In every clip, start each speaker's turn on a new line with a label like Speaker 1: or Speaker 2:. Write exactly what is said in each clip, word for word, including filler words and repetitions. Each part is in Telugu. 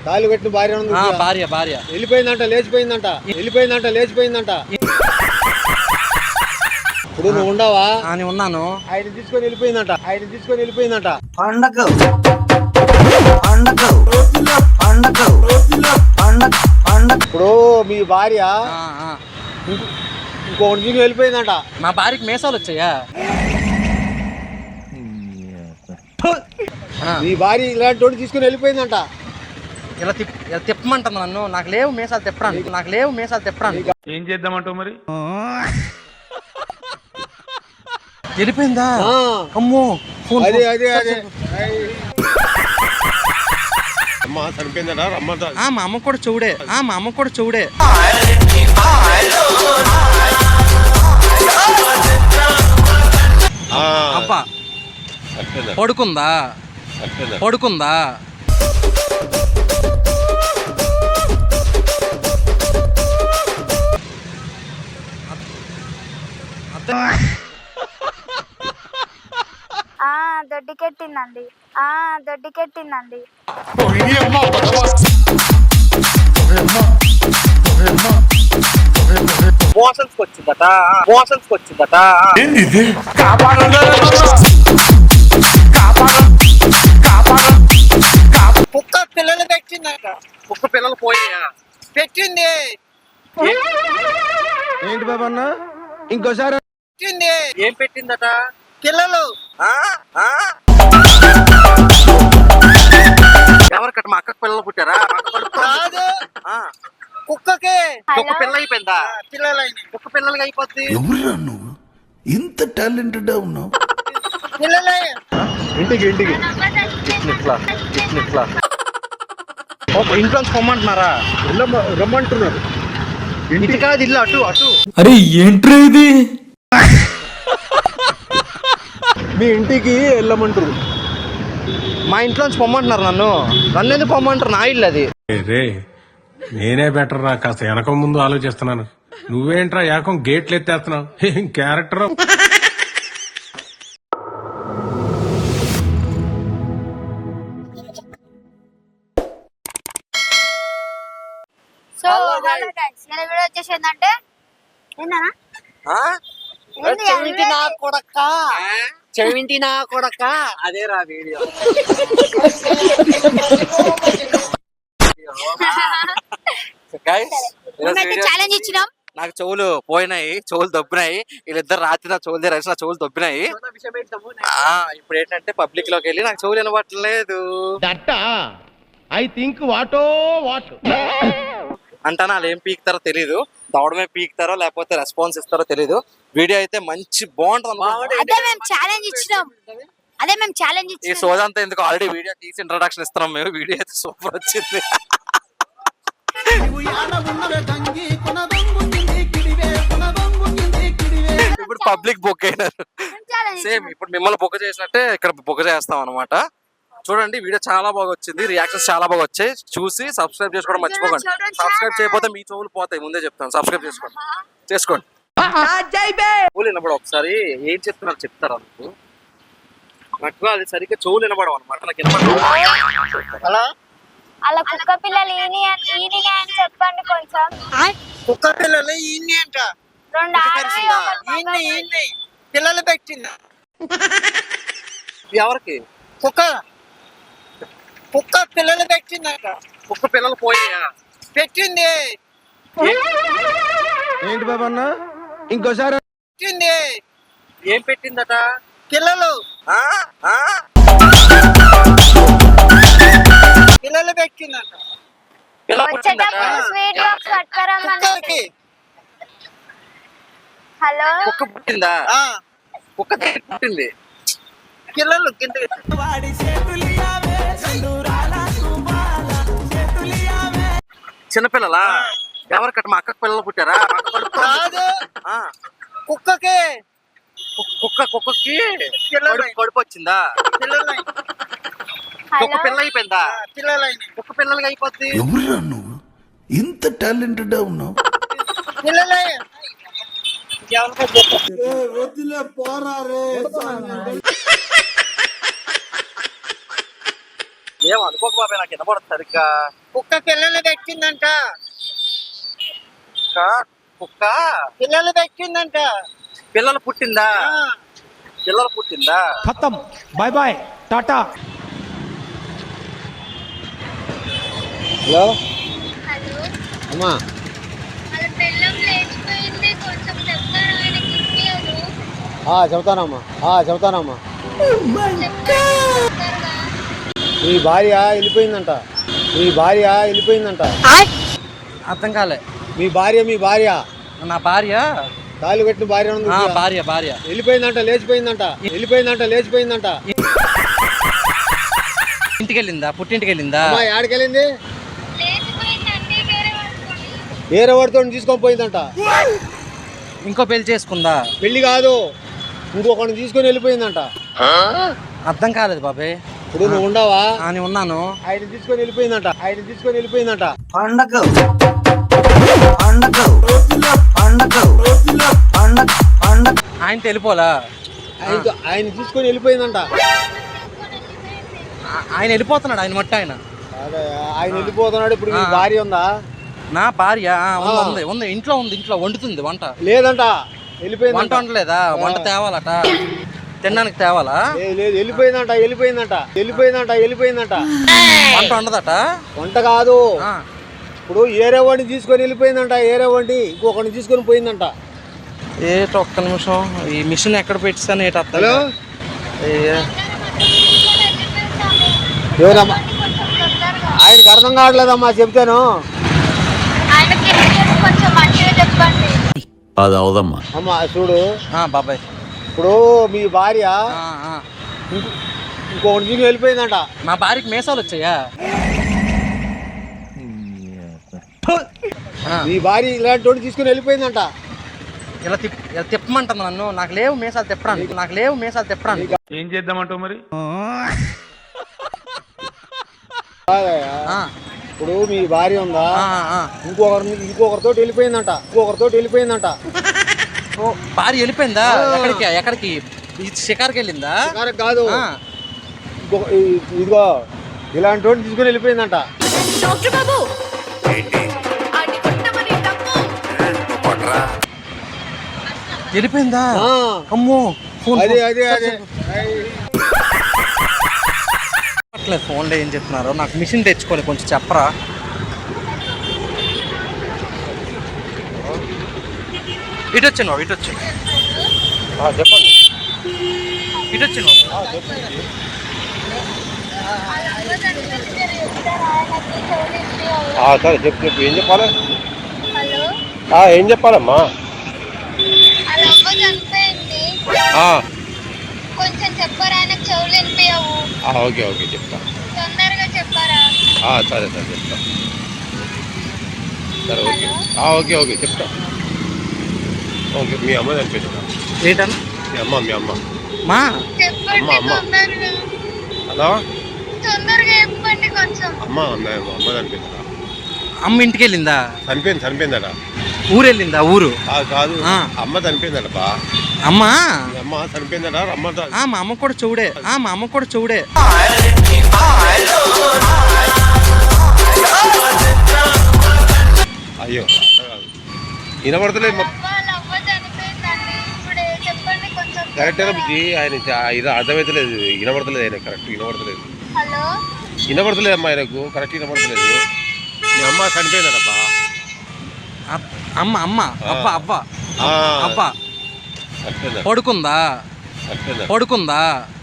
Speaker 1: కాలు పెట్టిన భార్య ఉంది.
Speaker 2: భార్య భార్య
Speaker 1: వెళ్ళిపోయిందంట, లేచిపోయిందంట, వెళ్ళిపోయిందంట, లేచిపోయిందంట. ఇప్పుడు నువ్వు ఉండవా?
Speaker 2: నేను ఉన్నాను.
Speaker 1: ఆయన తీసుకొని వెళ్ళిపోయిందంట, ఆయన తీసుకొని వెళ్ళిపోయిందంట.
Speaker 3: పండగ పండగ పండగ పండగ పండగ.
Speaker 1: ఇప్పుడు మీ భార్య ఇంకొకటి తీసుకొని వెళ్ళిపోయిందంట.
Speaker 2: మా భార్యకి మేసాలు వచ్చాయా?
Speaker 1: మీ భార్య ఇలాంటి వాడు తీసుకుని వెళ్ళిపోయిందంట.
Speaker 2: ఇలా తిప్ ఇలా తిప్పమంటుంది నన్ను. నాకు లేవు మేసాలు తిప్పడానికి, నాకు లేవు మేసాలు తిప్పడానికి.
Speaker 4: ఏం చేద్దామంటావు మరి?
Speaker 2: వెళ్ళిపోయిందా? అమ్మో,
Speaker 1: అదే అదే అదే
Speaker 4: అమ్మ చనిపోయిందా? రమ్మంటా.
Speaker 2: మా అమ్మ కూడా చూడే, మా అమ్మ కూడా చూడే. అబ్బా పడుకుందా? పడుకుందా?
Speaker 5: దొడ్డికెట్టిందండి, దొడ్డికెట్టిందండి.
Speaker 2: మోషన్స్ వచ్చిందట, మోషన్స్ వచ్చిందట.
Speaker 3: కుక్క పిల్లలు పెట్టిందట.
Speaker 2: కుక్క పిల్లలు పోయా
Speaker 3: పెట్టింది.
Speaker 1: ఏంటి బాబా అన్న? ఇంకోసారి
Speaker 3: పెట్టింది.
Speaker 2: ఏం పెట్టిందట?
Speaker 3: పిల్లలు.
Speaker 2: ఎవరికట? మా అక్కకు పిల్లలు పుట్టారా?
Speaker 3: కాదు, కుక్కకే.
Speaker 2: కుక్క పిల్ల అయిపోయిందా?
Speaker 3: పిల్లలైన
Speaker 2: కుక్క పిల్లలకి అయిపోద్ది.
Speaker 6: ఎవరురా నువ్వు ఇంత టాలెంటెడ్ ఉన్నావు?
Speaker 3: పిల్లలే.
Speaker 1: ఇంటికి ఇంటికి
Speaker 2: ఇట్లా ఇట్లా ఇంట్లో పొమ్మంటున్నారా?
Speaker 1: రమ్మంటున్నారు.
Speaker 2: ఇంటి కాదు, ఇల్లు అటు అటు.
Speaker 6: అరే ఏంట్రా ఇది?
Speaker 1: మీ ఇంటికి వెళ్ళమంటారు.
Speaker 2: మా ఇంట్లోంచి పొమ్మంటున్నారు నన్ను. నన్ను ఎందుకు పొమ్మంటారు? నా ఇల్లు అది.
Speaker 4: రే నేనే బెటర్ రా, కాస్త వెనక ముందు ఆలోచిస్తున్నాను. నువ్వేంట్రా ఏకం గేట్లు ఎత్తేస్తున్నావు? ఏం క్యారెక్టర్.
Speaker 5: సో హలో గైస్, ఈ వీడియో వచ్చేసి ఏంటంటే ఏందన్నా
Speaker 3: చెవిటి నా కొడక, చెవిటి నా కొడక.
Speaker 2: అదే రా వీడియో.
Speaker 5: ఛాలెంజ్ ఇచ్చినాం.
Speaker 2: నాకు చెవులు పోయినాయి, చెవులు దొబ్బినాయి. వీళ్ళిద్దరు రాత్రి నా చెవులు దగ్గర నా చెవులు దొబ్బినాయి. ఇప్పుడు ఏంటంటే పబ్లిక్ లోకి వెళ్ళి నాకు చెవులు వినబట్టలేదు
Speaker 1: ఐ థింక్ వాటో వాట్
Speaker 2: అంటానా. వాళ్ళు ఏం పీకుతారో తెలీదు, దవడమే పీకుతారో లేకపోతే రెస్పాన్స్ ఇస్తారో తెలీదు. వీడియో అయితే మంచి బాగుంటుంది.
Speaker 5: అదే మేము ఛాలెంజ్ ఇచ్చినాం, అదే మేము ఛాలెంజ్
Speaker 2: ఈ
Speaker 5: ఇచ్చినాం.
Speaker 2: సోదంతా ఎందుకు, ఆల్రెడీ వీడియో తీసి ఇంట్రొడక్షన్ ఇస్తున్నాం మేము. వీడియో అయితే సూపర్ వచ్చింది. ఇప్పుడు పబ్లిక్ బుక్ అయినారు. సేమ్ ఇప్పుడు మిమ్మల్ని బుక్ చేసినట్టే ఇక్కడ బుక్ చేస్తాం అనమాట. చూడండి, వీడియో చాలా బాగా వచ్చింది, రియాక్షన్స్ చాలా బాగా వచ్చాయి. చూసి సబ్స్క్రైబ్ చేసుకోవడం మర్చిపోకండి. సబ్స్క్రైబ్ చేయకపోతే మీ చెవులు పోతాయి, ముందే చెప్తాను. సబ్స్క్రైబ్ చేసుకోండి, చేసుకోండి. చెవులు వినపడ ఒకసారి ఏం చెప్తున్నారు చెప్తారా? నాకు నాకు అది సరిగ్గా చెవులు వినపడవు అనమాట. నాకు వినపడ
Speaker 5: అలా కుక్క పిల్లలు ఈని ఈని అని చెప్పండి కొంచెం.
Speaker 3: కుక్క పిల్లలు ఈయన్ని అంట.
Speaker 5: రెండు ఆడవి, ఒకటి
Speaker 3: ఈయన్ని ఈయన్ని పిల్లలు పెట్టింది.
Speaker 2: ఎవరికి?
Speaker 3: కుక్క కుక్క పిల్లలు పెట్టిందట.
Speaker 2: కుక్క పిల్లలు పోయా
Speaker 3: పెట్టింది.
Speaker 1: ఏంటి బాబా అన్న? ఇంకోసారి
Speaker 3: పెట్టింది.
Speaker 2: ఏం పెట్టిందట?
Speaker 3: పిల్లలు. పిల్లలు పెట్టిందట.
Speaker 5: వచ్చేటప్పుడు స్వీట్ బాక్స్ పట్టుకురమ్మని. హలో,
Speaker 2: కుక్క పుట్టిందా? కుక్క పుట్టింది.
Speaker 3: పిల్లలు కింద
Speaker 2: చిన్నపిల్లలా? ఎవరికట? మా అక్కకు పిల్లలు పుట్టారా?
Speaker 3: కాదు, కుక్కకే.
Speaker 2: కుక్క కుక్కకి కడుపు వచ్చిందా?
Speaker 3: పిల్లలై
Speaker 2: కుక్క పిల్ల అయిపోయిందా?
Speaker 3: పిల్లలైన
Speaker 2: కుక్క పిల్లలకి అయిపోద్ది.
Speaker 6: ఎవరురా నువ్వు ఇంత టాలెంటెడ్ ఉన్నావు?
Speaker 3: పిల్లలే.
Speaker 1: వదిలే, పోరా రే.
Speaker 2: ఏం అనుకోక బాబాయ్, నాకు వినపడదు సరిగ్గా.
Speaker 3: కుక్క పిల్లలు పెట్టిందంట.
Speaker 2: కుక్క కుక్క
Speaker 3: పిల్లలు పెట్టిందంట.
Speaker 2: పిల్లలు పుట్టిందా?
Speaker 3: ఆ,
Speaker 2: పిల్లలు పుట్టిందా?
Speaker 7: खत्म bye bye tata
Speaker 1: hello
Speaker 5: hello,
Speaker 1: అమ్మా
Speaker 5: వాళ్ళ బెల్లం లేచిపోయింది, కొంచెం చెప్తారా? ఆయనకి ఇప్పియదు.
Speaker 1: ఆ, చెప్తానమ్మా ఆ, చెప్తానమ్మా
Speaker 5: చెప్తారుగా.
Speaker 1: మీ భార్య వెళ్ళిపోయిందంట మీ భార్య వెళ్ళిపోయిందంట
Speaker 2: అర్థం కాలే.
Speaker 1: మీ భార్య మీ భార్య
Speaker 2: నా భార్య.
Speaker 1: తాళి కట్టిన భార్య ఉంది
Speaker 2: ఆ,
Speaker 1: చూసావా?
Speaker 2: భార్య భార్య
Speaker 1: వెళ్ళిపోయిందంట లేచిపోయిందంట వెళ్ళిపోయిందంట లేచిపోయిందంట
Speaker 2: ఇంటికి వెళ్ళిందా? పుట్టింటికి వెళ్ళిందా?
Speaker 1: అమ్మా ఏడకెళ్ళింది?
Speaker 5: లేచిపోయిందండి, వేరే వాళ్ళతోని.
Speaker 1: వేరే వాడితో తీసుకొని పోయిందంట.
Speaker 2: ఇంకో పెళ్లి చేసుకుందా?
Speaker 1: పెళ్లి కాదు, ఇంకొకరిని తీసుకొని వెళ్ళిపోయిందంట.
Speaker 2: అర్థం కాలేదు బాబాయ్.
Speaker 1: ఇప్పుడు నువ్వు ఉండవా?
Speaker 2: అని ఉన్నాను.
Speaker 1: ఆయన తీసుకొని వెళ్ళిపోయిందంట ఆయన తీసుకొని వెళ్ళిపోయిందంట
Speaker 2: ఆయన తెలిపోలా.
Speaker 1: ఆయనతో ఆయన తీసుకొని వెళ్ళిపోయిందంట.
Speaker 2: ఆ- ఆయన వెళ్ళిపోతున్నాడు, ఆయన మట్టి ఆయన.
Speaker 1: అదే, ఆయన వెళ్ళిపోతున్నాడు. ఇప్పుడు మీ
Speaker 2: ఆ.
Speaker 1: భార్య ఉందా?
Speaker 2: నా భార్య ఆ, ఉంది,
Speaker 1: ఆ.
Speaker 2: ఉంది ఉంది ఇంట్లో ఉంది. ఇంట్లో వండుతుంది వంట.
Speaker 1: లేదంట
Speaker 2: వంట
Speaker 1: వెళ్ళిపోయిందంట.
Speaker 2: వండలేదా? వంట తేవాలట, తినడానికి తేవాలా?
Speaker 1: లేదు, లేదు వెళ్ళిపోయిందంట వెళ్ళిపోయిందంట వెళ్ళిపోయిందంట వెళ్ళిపోయిందంట
Speaker 2: వంట వండదట.
Speaker 1: వంట కాదు,
Speaker 2: ఆ,
Speaker 1: ఇప్పుడు ఏరే వాడిని తీసుకొని వెళ్ళిపోయిందంట. ఏరే వాడిని ఇంకొకరిని తీసుకొని పోయిందంట.
Speaker 2: ఏట ఒక్క నిమిషం, ఈ మిషన్ ఎక్కడ పెట్టాను ఏట అర్థం
Speaker 1: హలో
Speaker 2: కాదు. ఏ-
Speaker 1: ఎవరమ్మా?
Speaker 5: కొంచెం తొందరగా.
Speaker 1: ఆయనకి అర్థం కావట్లేదమ్మా చెప్తాను.
Speaker 5: ఆయనకి ఇప్పియదు, కొంచెం మంచిగా చెప్పండి.
Speaker 6: అది అవదమ్మా.
Speaker 1: అమ్మా చూడు,
Speaker 2: ఆ, బాబాయ్.
Speaker 1: ఇప్పుడు మీ భార్య
Speaker 2: ఆ, ఆ.
Speaker 1: ఇంకో- ఇంకొకరిని తీసుకొని వెళ్ళిపోయిందంట.
Speaker 2: మా భార్యకి మేసాలు వచ్చాయా? ఆ,
Speaker 1: మీ భార్య ఇలాంటి వాడిని తీసుకొని వెళ్ళిపోయిందంట.
Speaker 2: ఇలా తిప్ ఇలా తిప్పమంటుంది నన్ను. నాకు లేవు మేసాలు తిప్పడానికి, నాకు లేవు మేసాలు తిప్పడానికి.
Speaker 4: ఏం చేద్దామంటావు మరి?
Speaker 1: కాదయ్యా,
Speaker 2: ఆ,
Speaker 1: ఇప్పుడు మీ భార్య ఉందా?
Speaker 2: ఆ, ఆ.
Speaker 1: ఇంకొకరిని ఇంకొకరితో వెళ్ళిపోయిందంట ఇంకొకరితో వెళ్ళిపోయిందంట
Speaker 2: ఓ, భార్య వెళ్ళిపోయిందా? ఎక్కడికి ఎక్కడికి? ఈ షికార్కి వెళ్ళిందా?
Speaker 1: కరెక్ట్ కాదు,
Speaker 2: ఆ,
Speaker 1: ఇంకొక ఈ- ఇదిగో ఇలాంటి వాడిని తీసుకొని వెళ్ళిపోయిందంట.
Speaker 8: డాక్టర్ బాబు ఆడి కొట్టమని డబ్బు
Speaker 2: వెళ్ళిపోయిందా?
Speaker 1: ఆ,
Speaker 2: అమ్మో, ఫోన్
Speaker 1: అదే
Speaker 2: ఫోన్.
Speaker 1: అదే
Speaker 2: సరే,
Speaker 1: అదే
Speaker 2: సరే. అట్లేదు ఫోన్లో ఏం చెప్తున్నారు? నాకు మిషన్ తెచ్చుకొని కొంచెం చెప్పరా? ఇటు వచ్చాను బాబు, ఇటు వచ్చాను.
Speaker 1: చెప్పండి.
Speaker 2: ఇటు వచ్చాను బాబు.
Speaker 5: వాళ్ళ అమ్మ చనిపోయింది, మీరు చెప్తారా? ఆయనకి చెవులు ఇప్పియవు.
Speaker 1: సరే చెప్పు చెప్పు ఏం చెప్పాలి?
Speaker 5: హలో,
Speaker 1: ఏం చెప్పాలమ్మా?
Speaker 5: వాళ్ళ అమ్మ చనిపోయింది, కొంచెం చెప్పారా? ఆయనకు చెవులు వినిపించవు.
Speaker 1: ఓకే ఓకే చెప్తా.
Speaker 5: తొందరగా చెప్పారా?
Speaker 1: సరే సరే చెప్తా. సరే ఓకే
Speaker 5: హలో,
Speaker 1: ఓకే ఓకే చెప్తా. ఓకే మీ అమ్మ చనిపోయిందా?
Speaker 2: ఏంటన్నా?
Speaker 1: మీ అమ్మ మీ అమ్మ
Speaker 2: మా
Speaker 5: చెప్పండి
Speaker 1: అమ్మ, అమ్మ.
Speaker 5: తొందరగా.
Speaker 1: హలో
Speaker 5: తొందరగా చెప్పండి కొంచెం.
Speaker 1: అమ్మ అమ్మ అమ్మ చనిపోయిందా?
Speaker 2: అమ్మ ఇంటికి వెళ్ళిందా?
Speaker 1: చనిపోయింది చనిపోయిందట.
Speaker 2: ఊరు వెళ్ళిందా? ఊరు
Speaker 1: కాదు
Speaker 2: ఆ.
Speaker 1: అమ్మ చనిపోయిందట బా.
Speaker 2: అమ్మా.
Speaker 1: మీ అమ్మ చనిపోయిందట రమ్మంట.
Speaker 2: ఆ, మా అమ్మ కూడా చెవుడే. ఆ, మా అమ్మ కూడా చెవుడే.
Speaker 1: అయ్యో వినపడతలేదు.
Speaker 5: వాళ్ళ అవ్వ చనిపోయిందండి, ఇప్పుడు చెప్పండి కొంచెం
Speaker 1: కరెక్టేనా
Speaker 5: తొందరగా.
Speaker 1: బుద్ధి? ఆయన చ- ఇది అర్థమవుతలేదు, వినపడతలేదు. ఆయన కరెక్ట్ వినపడతలేదు
Speaker 5: హలో,
Speaker 1: వినపడతలేదు అమ్మా ఆయనకు కరెక్ట్ వినపడతలేదు. మీ అమ్మ చనిపోయిందటప్పా.
Speaker 2: అప్- అమ్మ అమ్మ అవ్వ అవ్వ
Speaker 1: ఆ.
Speaker 2: అవ్వ
Speaker 1: చనిపోయిందట
Speaker 2: పడుకుందా?
Speaker 1: చనిపోయిందట.
Speaker 2: పడుకుందా?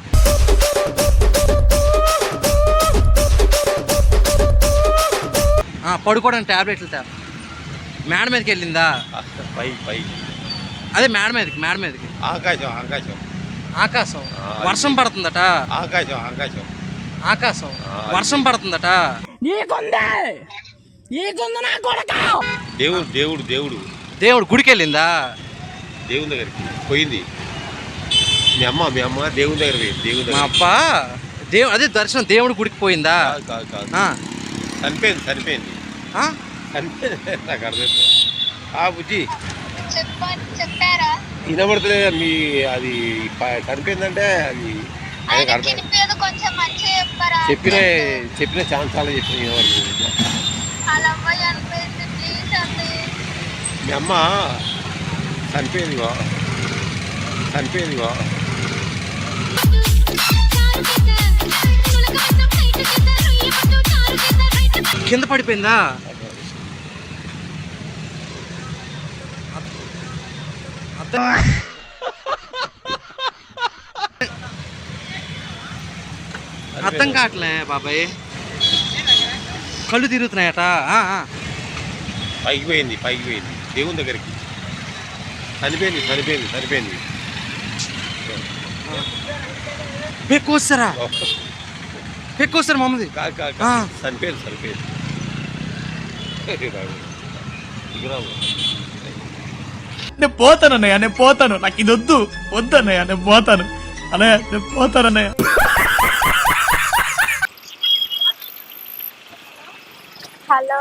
Speaker 2: ఆ, పడుకోవడానికి టాబ్లెట్లు తా. మేడ మీదకి వెళ్ళిందా?
Speaker 1: పై పై
Speaker 2: అదే మేడ మీదకి, మేడ మీదకి.
Speaker 1: ఆకాశం ఆకాశం
Speaker 2: ఆకాశం వర్షం పడుతుందట.
Speaker 1: ఆకాశం ఆకాశం
Speaker 2: ఆకాశం వర్షం పడుతుందట.
Speaker 1: దేవుడు దేవుడు దేవుడు
Speaker 2: దేవుడు గుడికి వెళ్ళిందా?
Speaker 1: దేవుని దగ్గరికి పోయింది. మీ అమ్మ మీ అమ్మ దేవుని దగ్గర పోయింది. దేవుని
Speaker 2: మా
Speaker 1: దగ్గర
Speaker 2: అప్ప దేవు అదే దర్శనం దేవుడి గుడికి పోయిందా?
Speaker 1: కాదు కాదు కాదు
Speaker 2: ఆ,
Speaker 1: చనిపోయింది చనిపోయింది
Speaker 2: ఆ?
Speaker 1: చనిపోయింది. నాకు అర్థమైంది. ఆ బుజ్జి
Speaker 5: చెప్పండి చెప్పారా?
Speaker 1: వినబడతలేదు. మీ అది ప- చనిపోయిందంటే అది ఆయనకు
Speaker 5: ఆయనకి
Speaker 1: అర్థం
Speaker 5: వినిపించదు, కొంచెం మంచిగా చెప్పరా
Speaker 1: చెప్పిన చెప్పిన ఛాన్స్ చాలా చెప్పిన ఎవరు
Speaker 5: అలా అమ్మాయి అనిపోయింది ప్లీజ్ అండి
Speaker 1: మీ అమ్మ చనిపోయిందిగో చనిపోయిందిగో
Speaker 2: కింద పడిపోయిందా? అర్థం కావట్లే బాబాయ్, కళ్ళు తిరుగుతున్నాయట. ఆ, ఆ.
Speaker 1: పైకి పోయింది పైకి పోయింది దేవుని దగ్గరికి చనిపోయింది చనిపోయింది చనిపోయింది
Speaker 2: పెక్కువస్తారా పెక్కువస్తారు మమ్మది.
Speaker 1: కాదు కాదు
Speaker 2: ఆ.
Speaker 1: కాదు. చనిపోయింది చనిపోయింది ఇక రావు.
Speaker 7: నేను పోతాను అన్నయ్య నేను పోతాను నాకు ఇది వద్దు వద్దు అన్నయ్య నేను పోతాను అన్నయ్య నేను పోతాను అన్నయ్య.
Speaker 5: హలో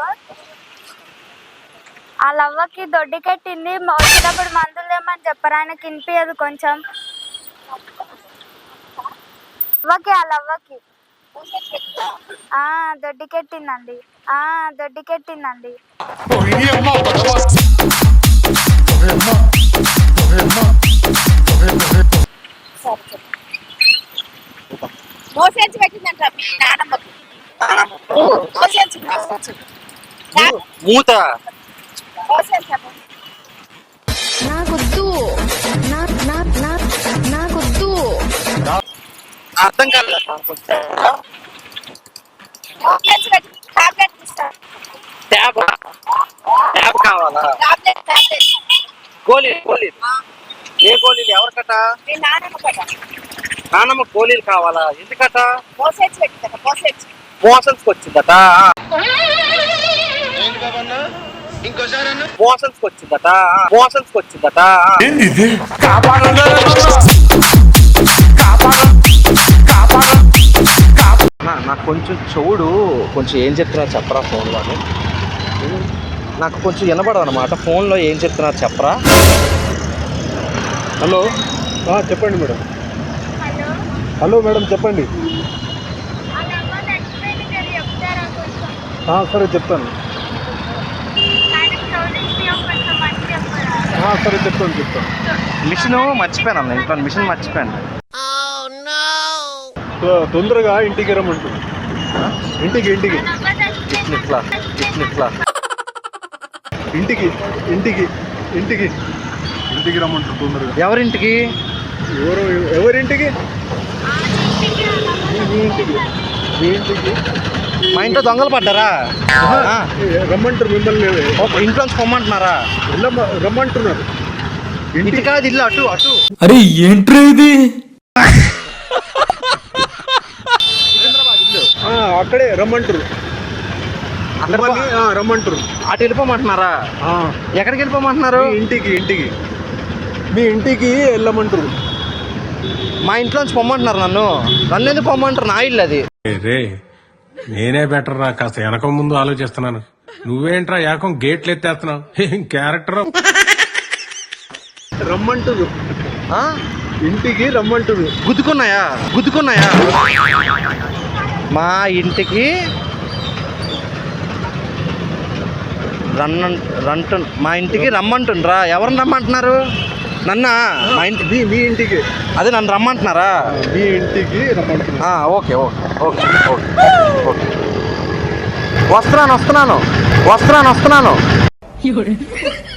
Speaker 5: ఆ లవ్వకి దొడ్డి కట్టింది వచ్చేటప్పుడు మందులు తెమ్మని చెప్పరు ఆయనకి వినిపించదు కొంచెం లవ్వకి ఆ లవ్వకి ఆ దొడ్డి కట్టిందండి ఆ దొడ్డి కట్టిందండి
Speaker 8: మోసేసి పెట్టిందంట మీ నానమ్మకి. మోసేసి
Speaker 2: మూత
Speaker 8: నాకొద్దు నాకొద్దు
Speaker 2: అర్థం కాదు. ట్యాబ్ ట్యాబ్ కావాలా? గోళీలు గోళీలు ఏ గోళీలు ఎవరికట? నానమ్మ గోళీలు కావాలా? ఎందుకట?
Speaker 8: మోసేసి పెట్టిందట మోసేసి
Speaker 2: మోషన్స్ వచ్చిందట మోషన్స్ వచ్చిందట మోషన్స్ వచ్చిందట నాకు కొంచెం చెవుడు కొంచెం ఏం చెప్తున్నారు చెప్పరా ఫోన్లో అని. నాకు కొంచెం వినపడదు అనమాట ఫోన్లో ఏం చెప్తున్నారు చెప్పరా. హలో
Speaker 4: చెప్పండి మేడం.
Speaker 5: హలో
Speaker 4: హలో మేడం చెప్పండి.
Speaker 5: ఆ లవ్వ చచ్చిపోయింది కదా చెప్తారా కొంచెం
Speaker 4: సరే చెప్తాను.
Speaker 5: ఆయనకి చౌదరికి కొంచెం మంచి చెప్పరా
Speaker 4: సరే చెప్తాను చెప్తాను.
Speaker 2: మిషన్ మర్చిపోయాను అన్న ఇంట్లో మిషన్ మర్చిపోయాను.
Speaker 4: తొందరగా ఇంటికి రమ్మంటుంది. ఇంటికి ఇంటికి
Speaker 5: లవ్వ చచ్చిపోయింది
Speaker 2: ఇట్లా ఇట్లా ఇట్లా
Speaker 4: ఇంటికి ఇంటికి ఇంటికి ఇంటికి రమ్మంటుంది తొందరగా.
Speaker 2: ఎవరింటికి?
Speaker 4: ఎవరు ఎవరింటికి? మీ ఇంటికి మీ ఇంటికి
Speaker 2: మా ఇంట్లో దొంగలు పడ్డారా? ఆ.
Speaker 4: రమ్మంటారు మిమ్మల్ని.
Speaker 2: ఒక ఇంట్లోంచి పొమ్మంటున్నారా?
Speaker 4: వెళ్ళమ్మ రమ్మంటున్నారు.
Speaker 2: ఇంటి కాదు ఇల్లు అటు అటు.
Speaker 6: అరే ఏంట్రా ఇది?
Speaker 4: ఆ, అక్కడే రమ్మంటారు. మిమ్మల్ని, ఆ, రమ్మంటారు.
Speaker 2: అటు వెళ్ళిపోమంటున్నారా?
Speaker 4: ఆ,
Speaker 2: ఎక్కడికి వెళ్ళిపోమంటున్నారు?
Speaker 4: మీ ఇంటికి ఇంటికి మీ ఇంటికి వెళ్ళమంటారు.
Speaker 2: మా ఇంట్లోంచి పొమ్మంటున్నారు నన్ను. నన్ను ఎందుకు పొమ్మంటారు? నా ఇల్లు అది.
Speaker 4: రే నేనే బెటర్ రా, కాస్త వెనక ముందు ఆలోచిస్తున్నాను. నువ్వేంట్రా ఏకం గేట్లు ఎత్తేస్తున్నావు? ఏం క్యారెక్టర్. రమ్మంటురు
Speaker 2: ఆ?
Speaker 4: ఇంటికి రమ్మంటురు.
Speaker 2: గుద్దుకున్నాయా గుద్దుకున్నాయా? మా ఇంటికి రన్ రంటు మా ఇంటికి రమ్మంటుండ్రా. ఎవరిని రమ్మంటున్నారు? నన్న మా ఇంటి
Speaker 4: మీ మీ ఇంటికి
Speaker 2: అదే నన్ను రమ్మంటున్నారా?
Speaker 4: మీ ఇంటికి రమ్మంటున్నారు.
Speaker 2: ఆ, okay okay okay okay okay వస్తున్నాను వస్తున్నాను వస్తున్నాను వస్తున్నాను